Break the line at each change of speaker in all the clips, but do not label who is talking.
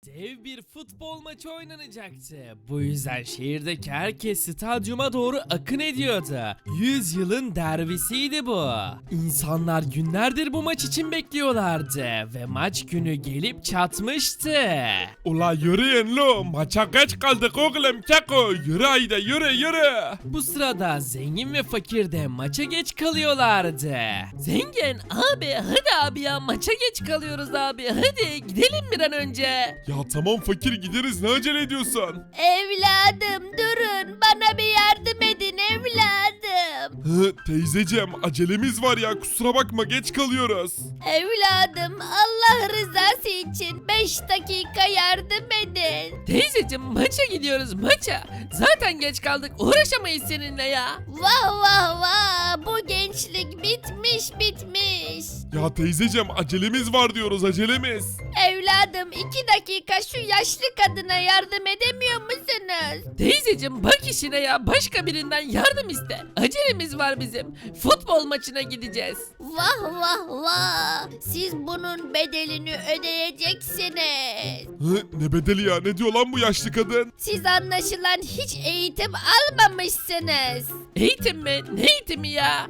Dev bir futbol maçı oynanacaktı. Bu yüzden şehirdeki herkes stadyuma doğru akın ediyordu. 100 yılın derbisiydi bu. İnsanlar günlerdir bu maç için bekliyorlardı ve maç günü gelip çatmıştı.
Ula yürüyün lo, maça geç kaldık oğlum keko, yürü haydi yürü.
Bu sırada zengin ve fakir de maça geç kalıyorlardı. Zengin abi hadi abi ya, maça geç kalıyoruz abi, hadi gidelim bir an önce.
Ya tamam fakir, gideriz, ne acele ediyorsun?
Evladım durun, bana bir yardım edin evladım.
Teyzeciğim, acelemiz var ya, kusura bakma, geç kalıyoruz.
Evladım, Allah rızası için 5 dakika yardım edin.
Teyzeciğim maça gidiyoruz, maça. Zaten geç kaldık, uğraşamayız seninle ya.
Vah vah vah, bu gençlik bitmiş.
Ya teyzeciğim, acelemiz var diyoruz, acelemiz.
Evladım 2 dakika şu yaşlı kadına yardım edemiyor musunuz?
Teyzeciğim bak işine ya, başka birinden yardım iste. Acelemiz var bizim. Futbol maçına gideceğiz.
Vah vah vah, siz bunun bedelini ödeyeceksiniz.
Ne bedeli ya, ne diyor lan bu yaşlı kadın?
Siz anlaşılan hiç eğitim almamışsınız.
Eğitim mi? Ne eğitimi ya?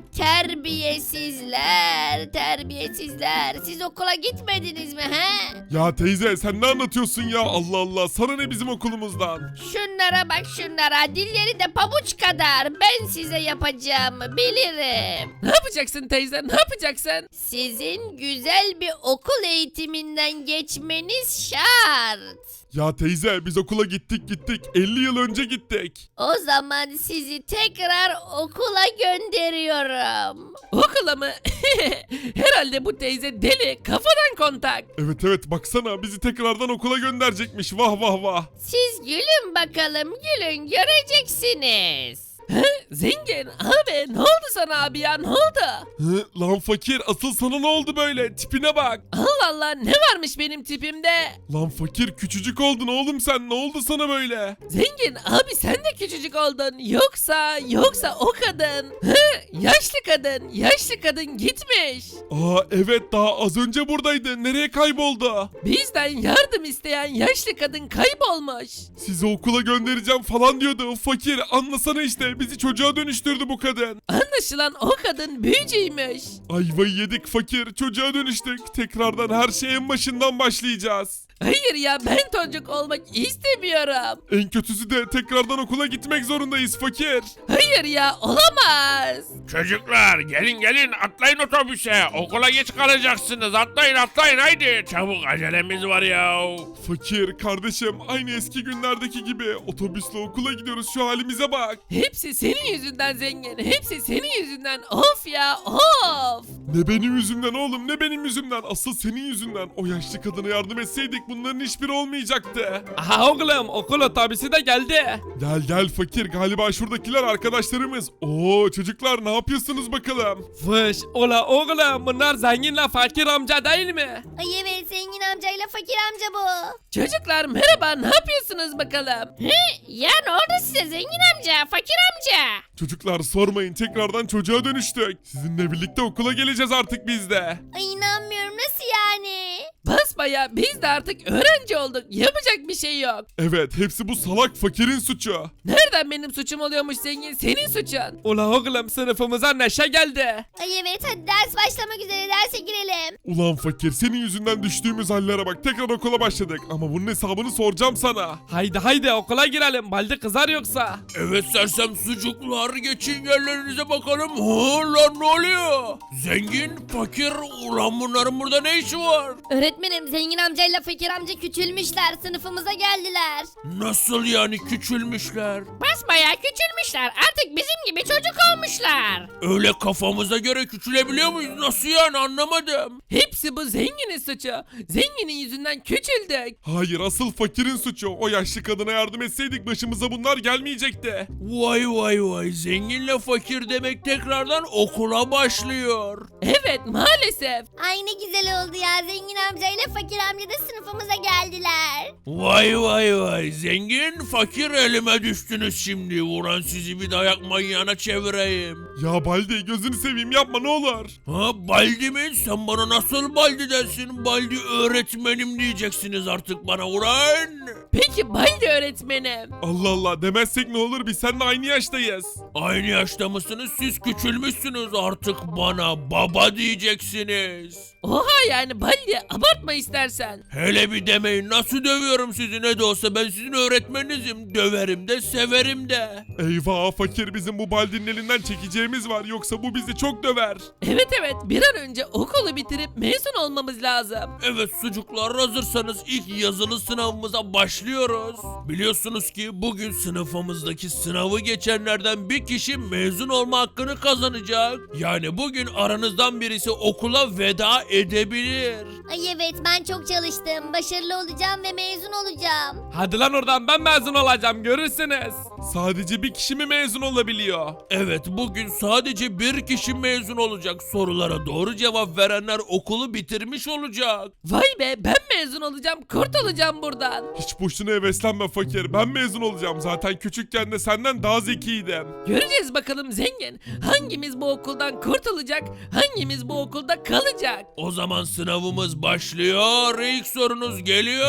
Terbiyesizler. Siz okula gitmediniz mi he?
Ya teyze, sen ne anlatıyorsun ya, Allah Allah, sana ne bizim okulumuzdan?
Şunlara bak şunlara, dilleri de pabuç kadar. Ben size yapacağımı bilirim.
Ne yapacaksın teyze, ne yapacaksın?
Sizin güzel bir okul eğitiminden geçmeniz şart.
Ya teyze, biz okula gittik 50 yıl önce gittik.
O zaman sizi tekrar okula gönderiyorum.
Okula mı? Herhalde bu teyze deli, kafadan kontak.
Evet baksana, bizi tekrardan okula gönderecekmiş, vah.
Siz gülün bakalım, gülün göreceksiniz.
Zengin abi, ne oldu sana abi ya, ne oldu?
Lan fakir, asıl sana ne oldu böyle, tipine bak.
Allah Allah, ne varmış benim tipimde?
Lan fakir, küçücük oldun oğlum sen, ne oldu sana böyle?
Zengin abi, sen de küçücük oldun. Yoksa o kadın. Yaşlı kadın gitmiş.
Aa evet, daha az önce buradaydı, nereye kayboldu?
Bizden yardım isteyen yaşlı kadın kaybolmuş.
Sizi okula göndereceğim falan diyordu, fakir anlasana işte, bizi çocuğa döndürdü bu kadın.
Anlaşılan o kadın büyücüymüş.
Ayvayı yedik fakir, çocuğa dönüştük, tekrardan her şey en başından başlayacağız.
Hayır ya, ben çocuk olmak istemiyorum.
En kötüsü de tekrardan okula gitmek zorundayız fakir.
Hayır ya, olamaz.
Çocuklar gelin atlayın otobüse, okula geç kalacaksınız, atlayın haydi, çabuk acelemiz var ya.
Fakir kardeşim, aynı eski günlerdeki gibi otobüsle okula gidiyoruz, şu halimize bak.
Hepsi senin yüzünden zengin. Hepsi senin yüzünden. Of ya, of.
Ne benim yüzümden oğlum, ne benim yüzümden, asıl senin yüzünden. O yaşlı kadına yardım etseydik bunların hiçbiri olmayacaktı.
Aha oğlum, okul otobüsü de geldi.
Gel fakir, galiba şuradakiler arkadaşlarımız. Oo çocuklar, ne yapıyorsunuz bakalım?
Fış, ola oğlum, bunlar zenginle fakir amca değil mi?
Ay evet, zengin amcayla fakir amca bu.
Çocuklar merhaba, ne yapıyorsunuz bakalım?
Ya ne oldu size zengin amca, fakir amca?
Çocuklar sormayın, tekrardan çocuğa dönüştük. Sizinle birlikte okula geleceğiz artık biz de.
Ay inanmıyorum, nasıl yani?
Basbaya biz de artık öğrenci olduk. Yapacak bir şey yok.
Evet, hepsi bu salak fakirin suçu.
Nereden benim suçum oluyormuş zengin? Senin suçun. Ula oğlum, sınıfımıza neşe geldi.
Ay evet, hadi ders başlamak üzere, derse girelim.
Ulan fakir, senin yüzünden düştüğümüz hallere bak, tekrar okula başladık. Ama bunun hesabını soracağım sana.
Haydi okula girelim. Balde kızar yoksa.
Evet sersem sucuklar, geçin yerlerinize bakalım. Lan ne oluyor? Zengin, fakir, ulan bunların burada ne işi var?
Öğretmenim, zengin amcayla fakir amca küçülmüşler, sınıfımıza geldiler.
Nasıl yani küçülmüşler?
Basbayağı küçülmüşler, artık bizim gibi çocuk olmuşlar.
Öyle kafamıza göre küçülebiliyor muyuz? Nasıl yani, anlamadım.
Hepsi bu zenginin suçu. Zenginin yüzünden küçüldük.
Hayır, asıl fakirin suçu. O yaşlı kadına yardım etseydik başımıza bunlar gelmeyecekti.
Vay, zenginle fakir demek tekrardan okula başlıyor.
Evet, maalesef.
Ay ne güzel oldu ya, zengin amcayla fakir amca da sınıfımıza geldiler.
Vay vay vay, zengin fakir elime düştünüz şimdi. Vuran sizi bir dayak manyağına çevireyim.
Ya Baldi gözünü seveyim yapma ne olur.
Ha Baldi mi? Sen bana nasıl Baldi dersin? Baldi öğretmenim diyeceksiniz artık bana ulan.
Peki Baldi öğretmenim.
Allah Allah demezsek ne olur biz seninle aynı yaştayız.
Aynı yaşta mısınız? Siz küçülmüşsünüz, artık bana baba diyeceksiniz.
Oha yani Baldi abartma istersen.
Hele bir demeyin, nasıl dövüyorum sizi, ne de olsa ben sizin öğretmeninizim. Döverim de severim de.
Eyvah fakir bizim bu Baldi'nin elinden çekeceğimiz var yoksa bu bizi çok döver.
Evet bir an önce okulu bitirip mezun olmamız lazım.
Evet sucuklar, hazırsanız ilk yazılı sınavımıza başlıyoruz. Biliyorsunuz ki bugün sınıfımızdaki sınavı geçenlerden bir kişi mezun olma hakkını kazanacak. Yani bugün aranızdan birisi okula veda edebilir.
Ay evet ben çok çalıştım. Başarılı olacağım ve mezun olacağım.
Hadi lan oradan ben mezun olacağım görürsünüz.
Sadece bir kişi mi mezun olabiliyor?
Evet, bugün sadece bir kişi mezun olacak. Sorulara doğru cevap verenler okulu bitirmiş olacak.
Vay be ben mezun olacağım kurtulacağım buradan.
Hiç boşuna heveslenme fakir ben mezun olacağım zaten küçükken de senden daha zekiydim.
Göreceğiz bakalım zengin. Hangimiz bu okuldan kurtulacak, hangimiz bu okulda kalacak?
O zaman sınavımız başlıyor. İlk sorunuz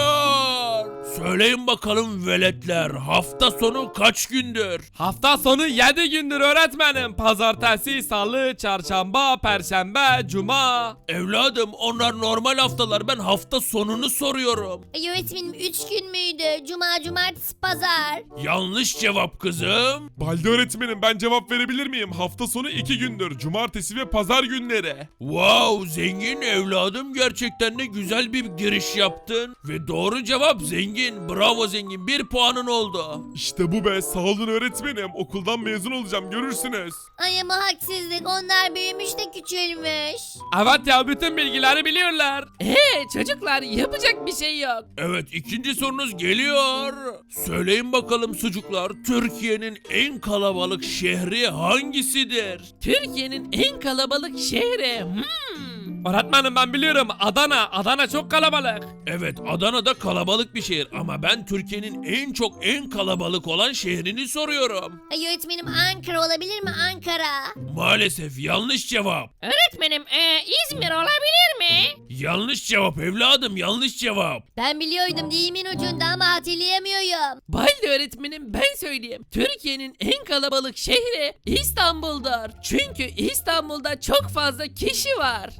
geliyor. Söyleyin bakalım veletler, hafta sonu kaç gündür?
Hafta sonu 7 gündür öğretmenim. Pazartesi, salı, çarşamba, perşembe, cuma.
Evladım onlar normal haftalar, ben hafta sonunu soruyorum.
Ay öğretmenim 3 gün müydü? Cuma, cumartesi, pazar.
Yanlış cevap kızım.
Baldi öğretmenim ben cevap verebilir miyim? Hafta sonu 2 gündür cumartesi ve pazar günleri.
Wow zengin evladım, gerçekten de güzel bir giriş yaptın. Ve doğru cevap zengin. Bravo zengin, 1 puanın oldu.
İşte bu be sağ olun öğretmenim okuldan mezun olacağım görürsünüz.
Ay ama haksızlık. Onlar büyümüş de küçülmüş.
Evet ya bütün bilgileri biliyorlar. Çocuklar yapacak bir şey yok.
Evet, ikinci sorunuz geliyor. Söyleyin bakalım sucuklar, Türkiye'nin en kalabalık şehri hangisidir?
Türkiye'nin en kalabalık şehri. Öğretmenim ben biliyorum Adana. Adana çok kalabalık.
Evet, Adana'da kalabalık bir şehir ama ben Türkiye'nin en kalabalık olan şehrini soruyorum.
Ay öğretmenim Ankara olabilir mi? Ankara.
Maalesef yanlış cevap.
Öğretmenim İzmir olabilir mi?
Yanlış cevap evladım, yanlış cevap.
Ben biliyordum dilimin ucunda ama hatırlayamıyorum.
Baldi öğretmenim ben söyleyeyim. Türkiye'nin en kalabalık şehri İstanbul'dur. Çünkü İstanbul'da çok fazla kişi var.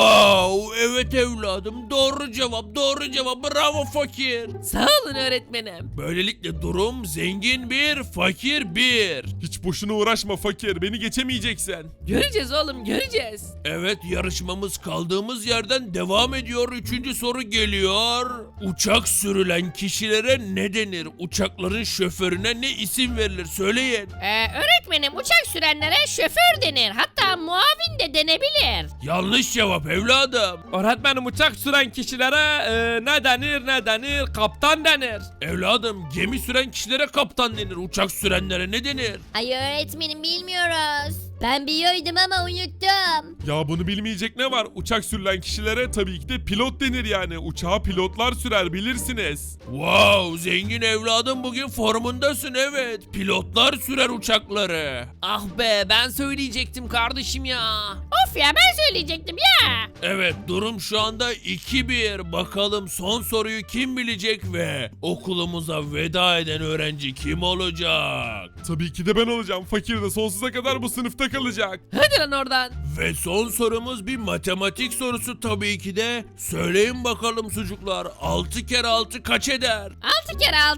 Wow, evet evladım, doğru cevap, doğru cevap, bravo fakir.
Sağ olun öğretmenim.
Böylelikle durum zengin 1, fakir 1.
Hiç boşuna uğraşma fakir beni geçemeyeceksin.
Göreceğiz oğlum göreceğiz.
Evet, yarışmamız kaldığımız yerden devam ediyor. Üçüncü soru geliyor. Uçak sürülen kişilere ne denir? Uçakların şoförüne ne isim verilir? Söyleyin.
Öğretmenim uçak sürenlere şoför denir. Hatta muavin de denebilir.
Yanlış cevap evladım.
Öğretmenim uçak süren kişilere ne denir? Kaptan denir.
Evladım, gemi süren kişilere kaptan denir. Uçak sürenlere ne denir?
Ay öğretmenim bilmiyoruz. Ben biliyordum ama unuttum.
Ya bunu bilmeyecek ne var? Uçak sürülen kişilere tabii ki de pilot denir yani. Uçağı pilotlar sürer bilirsiniz.
Wow, zengin evladım bugün formundasın evet. Pilotlar sürer uçakları.
Ah be ben söyleyecektim kardeşim ya.
Of ya ben söyleyecektim ya.
Evet, durum şu anda 2-1. Bakalım son soruyu kim bilecek ve okulumuza veda eden öğrenci kim olacak?
Tabii ki de ben olacağım. Fakir de sonsuza kadar bu sınıfta kalacak.
Hadi lan oradan.
Ve son sorumuz bir matematik sorusu tabii ki de. Söyleyin bakalım sucuklar, 6 kere 6 kaç eder?
6 kere 6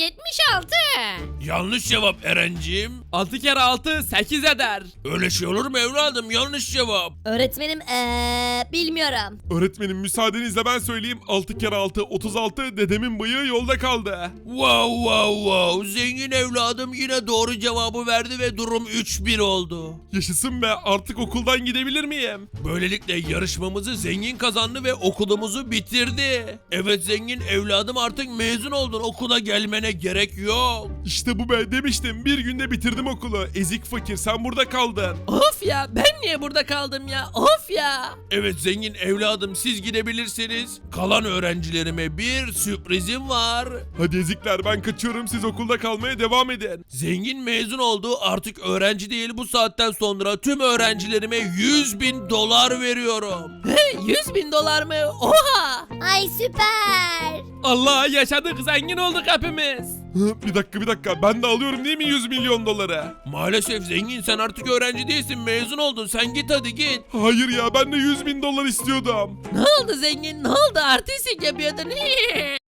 76.
Yanlış cevap Erenciğim.
6 kere 6 8 eder.
Öyle şey olur mu evladım? Yanlış cevap.
Öğretmenim bilmiyorum.
Öğretmenim müsaadenizle ben söyleyeyim. 6 kere 6 36 dedemin bıyığı yolda kaldı.
Wow wow wow. Zengin evladım yine doğru cevabı verdi ve durum 3-1 oldu.
Yaşasın be, artık okuldan gidebilir miyim?
Böylelikle yarışmamızı zengin kazandı ve okulumuzu bitirdi. Evet zengin evladım, artık mezun oldun, okula gelmene gerek yok.
İşte bu be, demiştim, bir günde bitirdim okulu. Ezik fakir, sen burada kaldın.
Of ya, ben niye burada kaldım ya? Of ya.
Evet zengin evladım, siz gidebilirsiniz. Kalan öğrencilerime bir sürprizim var.
Hadi ezikler, ben kaçıyorum, siz okulda kalmaya devam edin.
Zengin mezun oldu, artık öğrenci değil, bu saatten sonra tüm öğrencilerime 100.000 dolar veriyorum.
100.000 dolar mı? Oha.
Ay süper.
Allah, yaşadık, zengin olduk hepimiz.
Bir dakika, ben de alıyorum değil mi 100 milyon doları?
Maalesef zengin, sen artık öğrenci değilsin, mezun oldun, sen git hadi git.
Hayır ya, ben de 100 bin dolar istiyordum.
Ne oldu zengin? Ne oldu? Artistik yapıyordun.